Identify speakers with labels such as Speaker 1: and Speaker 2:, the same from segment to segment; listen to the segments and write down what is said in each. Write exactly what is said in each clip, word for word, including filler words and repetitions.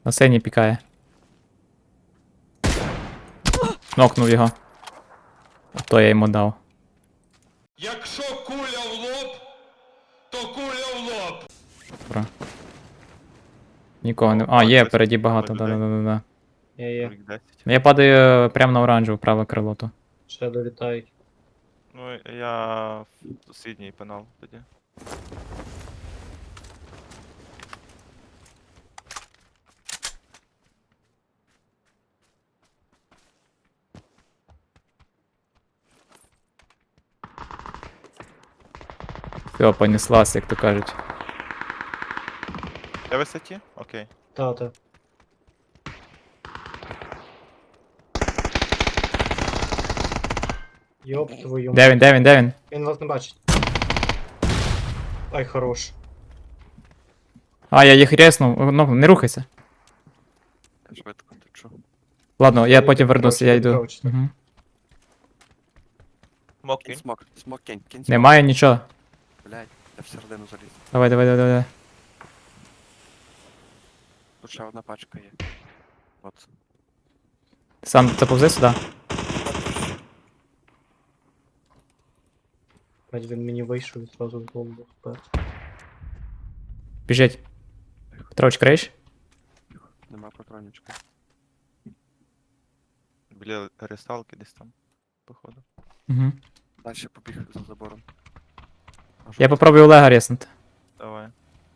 Speaker 1: На синій пікає. Нокнув його. То я йому дав.
Speaker 2: Якщо куля в лоб, то куля в лоб.
Speaker 1: Добре. Нікого не. А, є, впереді багато, да-да-да-да.
Speaker 3: Є, є.
Speaker 4: Рік десять.
Speaker 1: Я падаю прямо на оранжеву, праве крило то.
Speaker 3: Ще долітають.
Speaker 4: Ну, я в сусідній пенал тоді.
Speaker 1: Все, понеслась, як то кажуть.
Speaker 4: Де висоті? Окей.
Speaker 3: Та, та. Йоп твою
Speaker 1: Де він, де він, де він?
Speaker 3: Він вас не бачить. Ай, хорош.
Speaker 1: А, я їх рєснув. Ну, не рухайся.
Speaker 5: Я швидко течу.
Speaker 1: Ладно, я
Speaker 3: Ти
Speaker 1: потім вернуся, я йду.
Speaker 3: відкровчити.
Speaker 1: Угу.
Speaker 4: Смок
Speaker 5: Кінь
Speaker 4: кінь.
Speaker 5: смок, смок кінь, кінь смок.
Speaker 1: Немає нічого.
Speaker 5: Блядь, я всередину заліз.
Speaker 1: Давай, давай, давай, давай.
Speaker 5: Тут ще одна пачка є. От.
Speaker 1: Сам заповзи сюди.
Speaker 3: Блядь, він мені вийшов і зразу в голову впер.
Speaker 1: Біжить. Петрович, криєш?
Speaker 5: Нема патронічка.
Speaker 4: Біля ресталки десь там, походу.
Speaker 1: Угу.
Speaker 5: Дальше побіг за забором. Аж
Speaker 1: Я
Speaker 5: от.
Speaker 1: попробую Олега рєснути.
Speaker 4: Давай.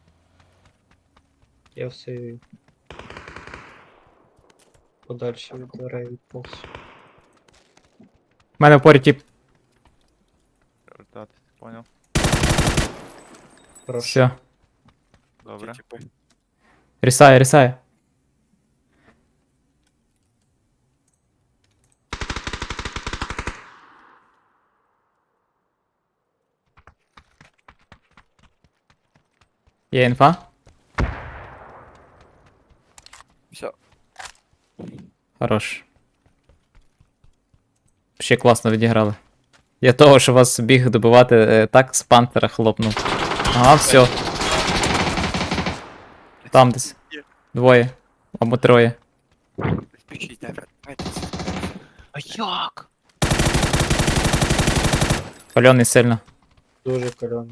Speaker 3: Я все подальше від дверей відповз.
Speaker 1: У мене в порі тип.
Speaker 4: Вертатись, поняв.
Speaker 3: Хорошо.
Speaker 1: Все.
Speaker 4: Добре.
Speaker 5: Ті тіпи.
Speaker 1: Рісає, рісає. Є інфа?
Speaker 5: Все.
Speaker 1: Хорош. Ще класно відіграли. Я того, що вас біг добивати, е, так з пантера хлопнув. Ага, все. Там десь. Двоє. Або троє.
Speaker 5: Спішіть, давай. Давайте. А як?
Speaker 1: Пальоний сильно.
Speaker 3: Дуже кальоний.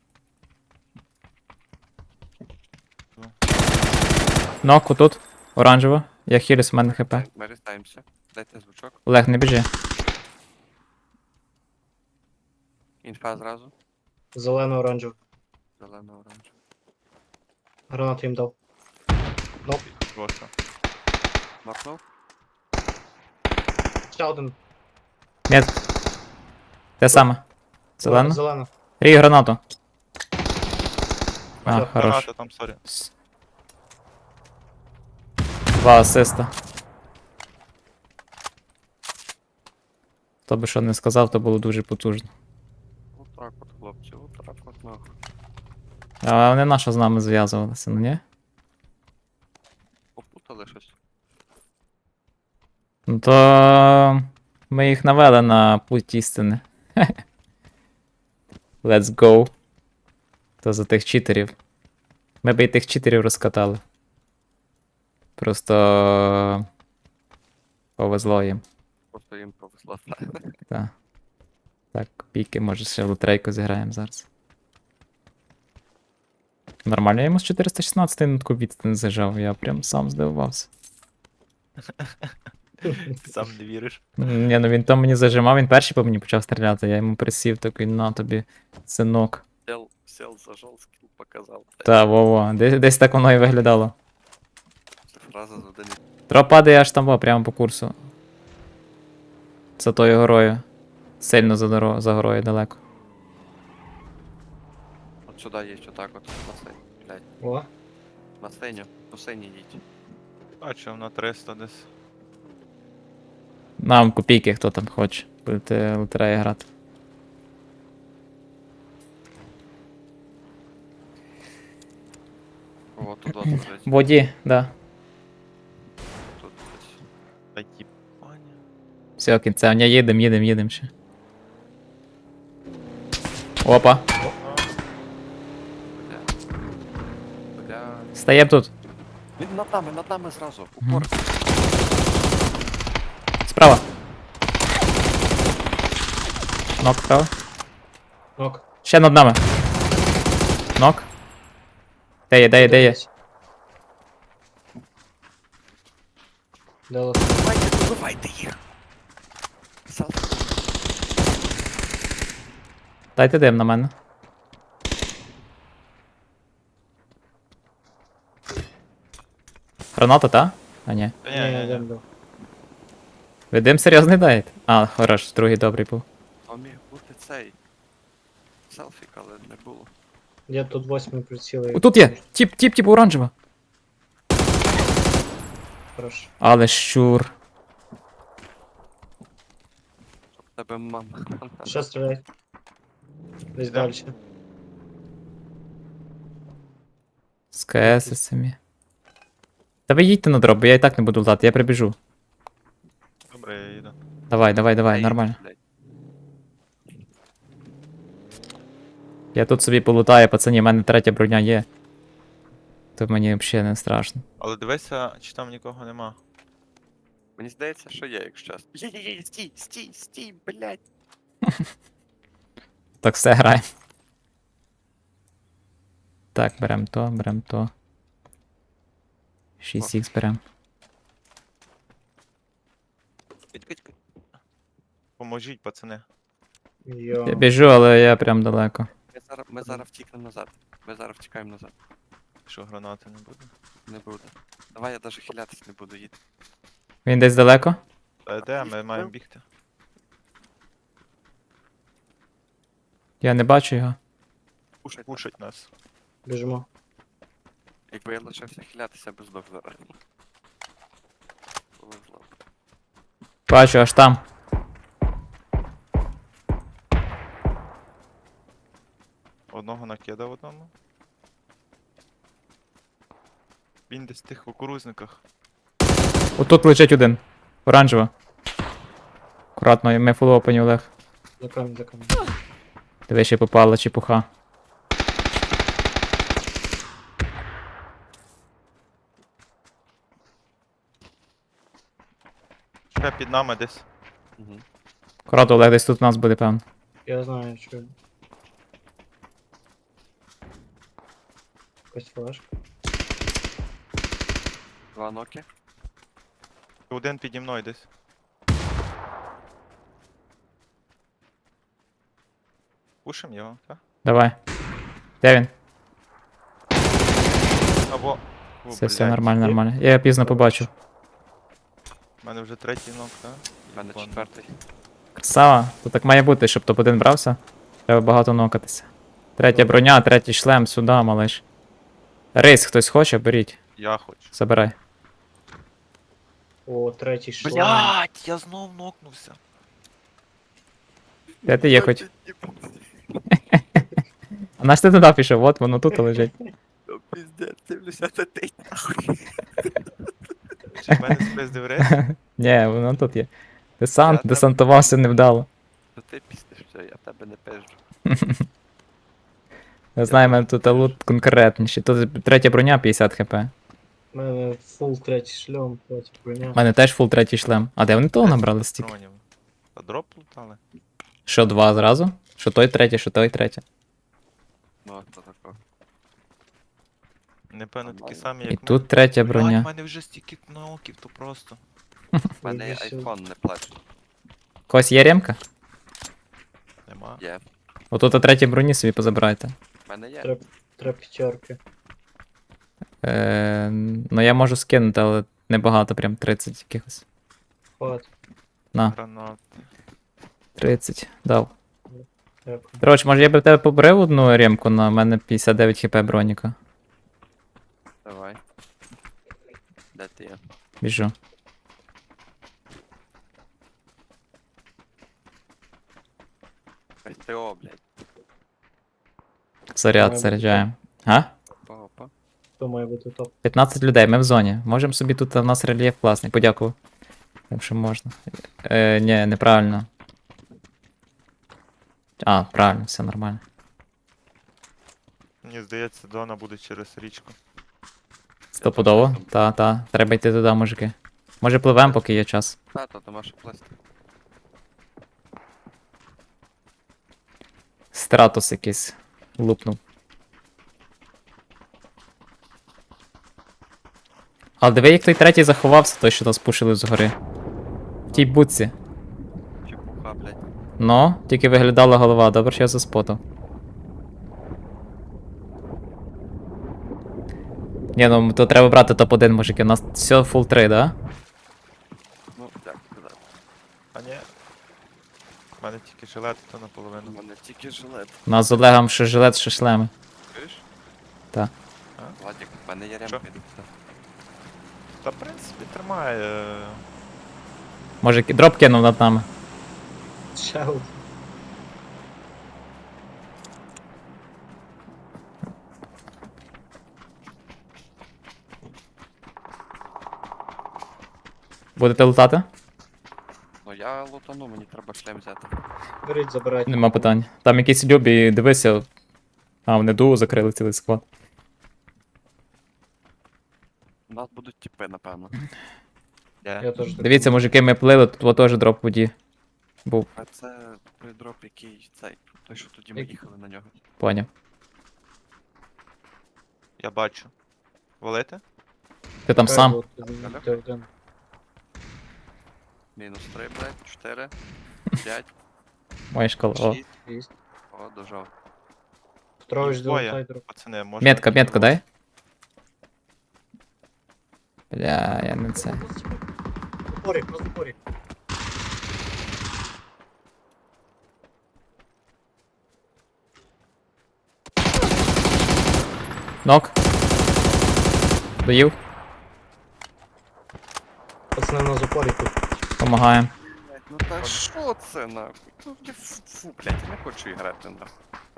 Speaker 1: Нок отут. Оранжево. Я хілюсь, в мене хп.
Speaker 5: Ми рестаємося. Дайте звучок.
Speaker 1: Олег, не біжи.
Speaker 5: Інфа зразу.
Speaker 3: Зелено-оранжево.
Speaker 5: Зелено оранж.
Speaker 3: Гранату їм дав. Ноп.
Speaker 4: Просто.
Speaker 5: Макнув.
Speaker 3: Ще один.
Speaker 1: Нет. Те саме. Зелено.
Speaker 3: Зелено.
Speaker 1: Рій гранату. А,
Speaker 3: Всё,
Speaker 1: хорош.
Speaker 4: Граната там, сорі.
Speaker 1: Два асиста. Хто би що не сказав, то було дуже потужно.
Speaker 5: Отак от, хлопці, отак от нахуй.
Speaker 1: А вони нащо з нами зв'язувалися, ну ні?
Speaker 5: Попутали щось.
Speaker 1: Ну то ми їх навели на путь істини. Let's go. То за тих читерів. Ми б і тих читерів розкатали. Просто повезло їм.
Speaker 5: Просто їм повезло.
Speaker 1: Так. Так, піки, може ще в лотерейку зіграємо зараз. Нормально, я йому з чотириста шістнадцять на таку відстань зажав, я прям сам здивувався.
Speaker 4: Сам не віриш.
Speaker 1: Ні, ну він то мені зажимав, він перший по мені почав стріляти, я йому присів такий, на тобі, синок.
Speaker 5: Сел, сел, зажал, скіл показав.
Speaker 1: Та, во-во, десь, десь так воно і виглядало.
Speaker 5: Це фраза з один.
Speaker 1: Тро падає аж там, во, прямо по курсу. За тою горою. Сильно за, доро... за горою далеко.
Speaker 5: От сюди є, отак от, на синю. Блядь,
Speaker 3: О,
Speaker 5: на синю. По синій їдь.
Speaker 4: Бачив на триста десь.
Speaker 1: Нам копійки, хто там хоче. Будете лотереї грати.
Speaker 5: О, тут от лежить.
Speaker 1: В воді, да.
Speaker 5: Тут десь.
Speaker 4: Та ті пані.
Speaker 1: Все, кінцевня, їдем, їдем, їдем ще. Опа,
Speaker 5: Бля. Бля.
Speaker 1: стаєм тут.
Speaker 5: Він над нами, над нами зразу.
Speaker 1: Мгм.
Speaker 5: Упор.
Speaker 1: Справа. Нок справа.
Speaker 3: Нок.
Speaker 1: Ще над нами. Нок. Де є, де є, де є?
Speaker 3: Де лос?
Speaker 5: Давайте, добивайте їх. Селфі.
Speaker 1: Дайте дим на мене. Граната, та? А ні.
Speaker 4: Та
Speaker 3: Ні,
Speaker 4: ні, ні,
Speaker 3: я
Speaker 4: ні.
Speaker 3: дем дав.
Speaker 1: Ви дим серйозний даєте? А, хорош, другий добрий був.
Speaker 5: То міг бути цей. Селфік, але не було.
Speaker 3: Я тут восьмий прицілий.
Speaker 1: О, тут є! Тіп, тіп, тіп, оранжева.
Speaker 3: Хорош.
Speaker 1: Але щур.
Speaker 5: Тебе мама.
Speaker 3: Ще стріляй. Десь
Speaker 4: Де?
Speaker 3: далі.
Speaker 1: З КС самі. Та ви їдьте на дроп, бо я і так не буду лутати, я прибіжу.
Speaker 4: Добре, я їду.
Speaker 1: Давай, давай, давай,
Speaker 5: Ей,
Speaker 1: нормально.
Speaker 5: блядь.
Speaker 1: Я тут собі полутаю, пацані, в мене третя броня є. То мені взагалі не страшно.
Speaker 4: Але дивися, чи там нікого нема.
Speaker 5: Мені здається, що є, якщо чесно. Є-є-є, стій, стій, стій, блядь.
Speaker 1: Так все граємо. Так, берем то, берем то. шість ікс берем.
Speaker 4: Кить, кить, кить. Поможіть, пацани.
Speaker 3: Йо.
Speaker 1: Я біжу, але я прям далеко.
Speaker 5: Ми зараз, ми зараз втікнемо назад. Ми зараз втікаємо назад.
Speaker 4: Що гранати не буде.
Speaker 5: Не буде. Давай я даже хилятись не буду їти.
Speaker 1: Він десь далеко?
Speaker 4: Та де, ми маємо бігти.
Speaker 1: Я не бачу його.
Speaker 5: Пушать.
Speaker 4: Пушать нас.
Speaker 3: Біжимо.
Speaker 5: Якби я лишився хилятися, без здох зараз. Повезло.
Speaker 1: Бачу, аж там.
Speaker 4: Одного накидав одному. Він десь в тих кукурузниках.
Speaker 1: Отут лежить один. Оранжева. Акуратно, ми фул опені, Олег.
Speaker 3: За камінь, за камінь.
Speaker 1: Диви, ще попала чепуха.
Speaker 4: Ще під нами десь.
Speaker 5: Угу.
Speaker 1: Акуратно, Олег, десь тут у нас буде, певно.
Speaker 3: Я знаю, що. Якась флешка.
Speaker 5: Два ноки.
Speaker 4: Один піді мною десь. Пушим його, так?
Speaker 1: Давай. Де він?
Speaker 4: Або. О,
Speaker 1: Все, все
Speaker 4: блядь,
Speaker 1: нормально, нормально. Я його пізно побачив.
Speaker 4: У мене вже третій ног, так?
Speaker 5: У мене четвертий.
Speaker 1: Красава. То так має бути, щоб топ один брався. Треба багато нокатися. Третя броня, третій шлем, сюди, малиш. Рейс хтось хоче, беріть.
Speaker 4: Я хочу.
Speaker 1: Забирай.
Speaker 3: О, третій шлем.
Speaker 4: Блять, я знов нокнувся.
Speaker 1: Де ти є хоч? А наш ти туди пішов, от воно тут лежить.
Speaker 5: Ну, пиздец, сімдесят три, нахуй.
Speaker 4: Чи в мене спиздив рейс?
Speaker 1: Ні, воно тут є. Десант,
Speaker 5: Я там-
Speaker 1: десантувався невдало.
Speaker 5: Ну ти піснеш все, я тебе не пизджу.
Speaker 1: Я знаю, в мене тут лут конкретніший. Тут третя броня п'ятдесят хп.
Speaker 3: У мене фул третій шлем, третя броня.
Speaker 1: У мене теж фул третій шлем. А де вони того набрали стільки?
Speaker 4: Патронів. Та дроп лутали?
Speaker 1: Що, два зразу? Що той третій, що той третій.
Speaker 5: Ну, то тако.
Speaker 4: Напевно, такі
Speaker 5: Нормально.
Speaker 4: самі,
Speaker 1: І
Speaker 4: як
Speaker 1: тут третя
Speaker 4: Блядь,
Speaker 1: броня.
Speaker 4: в мене вже стільки ноків, то просто.
Speaker 5: У мене є
Speaker 3: Іди сюди.
Speaker 5: айфон, не плач.
Speaker 1: Когось є ремка?
Speaker 4: Нема.
Speaker 5: Є.
Speaker 1: Отут а третій броні собі позабирайте.
Speaker 5: У мене є.
Speaker 3: Треба, треба п'ятерки.
Speaker 1: Е, ну я можу скинути, але небагато, прям тридцять якихось.
Speaker 3: Хват.
Speaker 1: На,
Speaker 4: Гранат.
Speaker 1: тридцять. Дав.
Speaker 3: Дякую.
Speaker 1: Коротше, може я би в тебе побрив одну ремку, на мене п'ятдесят дев'ять хп броніка.
Speaker 5: Давай. Де ти є?
Speaker 1: Біжу.
Speaker 5: СТО, блядь.
Speaker 1: Заряд
Speaker 3: Має
Speaker 1: заряджаємо. А?
Speaker 5: Опа, опа.
Speaker 3: Хто має бути топ?
Speaker 1: п'ятнадцять людей, ми в зоні. Можемо собі тут, у нас рельєф класний, подякував. Якщо можна. Е, ні, неправильно. А, правильно, все нормально.
Speaker 4: Мені здається, Дона буде через річку.
Speaker 1: Стопудово. Та, та. Треба йти туди, мужики. Може пливем, поки є час.
Speaker 5: Та, то нема що плести.
Speaker 1: Стратос якийсь. Лупнув. Але диви, як той третій заховався, той, що нас пушили згори. В тій будці.
Speaker 5: Чепуха, блядь.
Speaker 1: Ну, тільки виглядала голова, добре, що я заспотав. Ні, ну то треба брати топ один, мужики. У нас все фул три, да?
Speaker 5: Ну, як сказати.
Speaker 4: А ні. У мене тільки жилет, то
Speaker 5: У
Speaker 4: наполовину.
Speaker 5: мене тільки жилет.
Speaker 1: У нас з Олегом ще жилет, ще шлеми.
Speaker 5: Чуєш?
Speaker 1: Та.
Speaker 5: Владик, в мене є
Speaker 4: Що?
Speaker 5: ремки.
Speaker 4: Та, в принципі, тримає.
Speaker 1: Може, ки- дроп кинув над нами.
Speaker 3: Ще один.
Speaker 1: Будете лутати?
Speaker 5: Ну я лутану, мені треба шлем взяти.
Speaker 3: Беріть, забирайте.
Speaker 1: Нема питань. Там якісь любі, дивися. А, вони дуо закрили цілий склад.
Speaker 5: У нас будуть тіпи, напевно.
Speaker 4: Де?
Speaker 3: Я теж так
Speaker 1: Дивіться,
Speaker 3: думаю.
Speaker 1: мужики, ми плили, тут теж дроп в воді. Був,
Speaker 5: А це той дроп, який цей. Той, що тоді ми
Speaker 3: Як-
Speaker 5: їхали на нього.
Speaker 1: поняв.
Speaker 4: Я бачу. Валити?
Speaker 1: Ти там
Speaker 3: Чекай,
Speaker 1: сам.
Speaker 3: бо ти- ти один.
Speaker 5: Мінус три, блядь, чотири, п'ять,
Speaker 1: Моя шкала. О.
Speaker 5: шість.
Speaker 3: Шість.
Speaker 5: О, дожав.
Speaker 3: Петрович,
Speaker 4: Їх двоє.
Speaker 3: долутай дроп.
Speaker 4: Пацани, може.
Speaker 1: Метка, метку дай. Бля, я не це.
Speaker 3: Запорі, на запорі.
Speaker 1: Нок. Доїв.
Speaker 3: Пацани на запорі тут.
Speaker 1: Помагаємо.
Speaker 5: Блядь, ну та що це нахуй? Ну я фу, фу, блядь, я не хочу грати нахуй.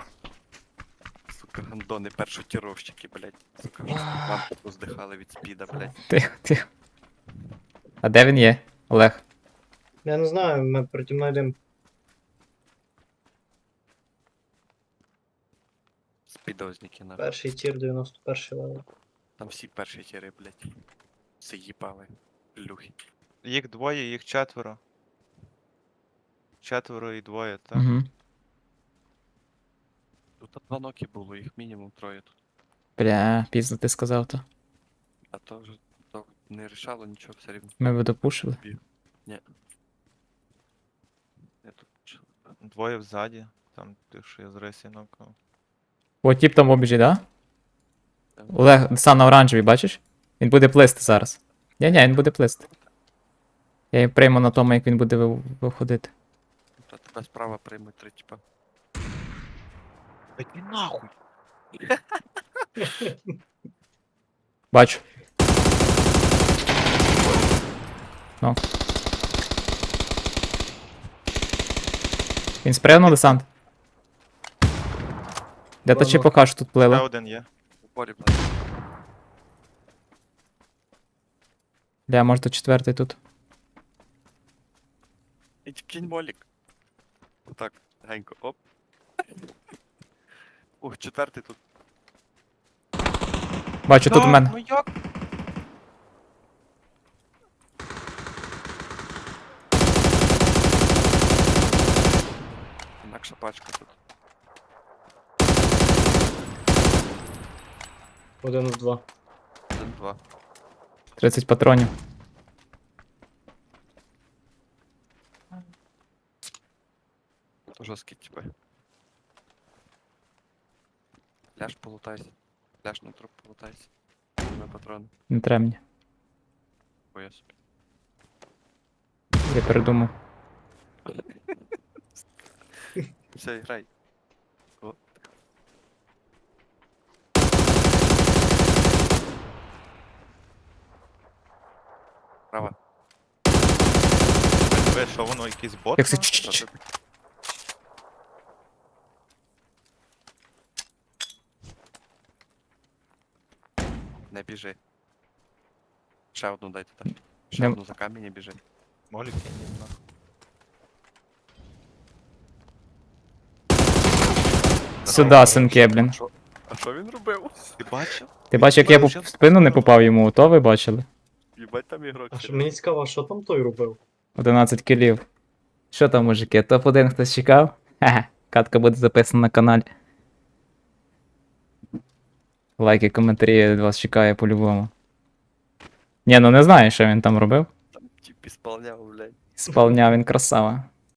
Speaker 5: Сука, гандони першотіровщики, блядь. Сука, вже мамку поздихали від спіда, блядь.
Speaker 1: Тихо, тихо. А де він є? Олег.
Speaker 3: Я не знаю, ми переді мною йдемо.
Speaker 5: Спідозники нахуй.
Speaker 3: Перший тір, дев'яносто перший левел.
Speaker 5: Там всі перші тіри, блядь. Все їбали. Плюхи.
Speaker 4: Їх двоє, їх четверо. Четверо і двоє, так?
Speaker 1: Угу.
Speaker 5: Тут два ноки було, їх мінімум троє тут.
Speaker 1: Бля, пізно ти сказав то.
Speaker 5: А то вже то не рішало нічого все рівно.
Speaker 1: Ми би допушили.
Speaker 5: Біг. Ні. Я тут чу-
Speaker 4: Двоє взаді. Там ти, що я з рейсі нокнув.
Speaker 1: О, тіп там в обіжі, да?
Speaker 5: там-
Speaker 1: Олег, сам на оранжевій, бачиш? Він буде плисти зараз. Ні-ні, він буде плисти. Я її прийму на тому, як він буде ви- виходити.
Speaker 5: Та тебе справа приймуть три типа.
Speaker 4: Іди нахуй!
Speaker 1: Бачу. Ну. Він спригнув десант. Де та
Speaker 3: Ладно.
Speaker 1: чепоха, що тут
Speaker 4: Ще
Speaker 1: плила?
Speaker 4: один є.
Speaker 5: У полі, блядь.
Speaker 1: Бля, може то четвертий тут.
Speaker 5: І кінь молік. Отак, генько, оп. Ух, четвертий тут.
Speaker 1: Бачу, тут у
Speaker 4: Да,
Speaker 1: мене.
Speaker 4: Ну як?
Speaker 5: Інакша пачка тут.
Speaker 3: Один в два.
Speaker 5: Один, два.
Speaker 1: тридцять патронів.
Speaker 5: То жорсткі типи. Ляж полутайся. Ляж на труп полутайся. На патрони.
Speaker 1: Не треба мені.
Speaker 5: Бо я собі.
Speaker 1: Я передумав.
Speaker 5: Все, грай. О. Права.
Speaker 4: Ви що, воно якийсь бот?
Speaker 1: Як це
Speaker 4: нахуй?
Speaker 1: ч- ч-
Speaker 5: Що ти? Не біжи. Ще одну дай туди. Ще
Speaker 1: Не-
Speaker 5: одну за камінь і біжи.
Speaker 4: Молік я не знаю.
Speaker 1: Сюда, синки, блін.
Speaker 5: Що? А що він робив?
Speaker 4: Ти бачив?
Speaker 1: Ти бачиш, як я
Speaker 4: Вже
Speaker 1: в спину не попав йому, то ви бачили?
Speaker 5: Їбать там ігрок.
Speaker 3: А що
Speaker 5: сидить.
Speaker 3: мені цікаво, що там той робив?
Speaker 1: одинадцять кілів. Що там, мужики, топ один хтось чекав? Хе-хе, катка буде записана на каналі. Лайки, коментарі від вас чекає по-любому. Ні, ну не знаю, що він там робив.
Speaker 5: Там тип ісполняв, блядь.
Speaker 1: Сповняв він красава.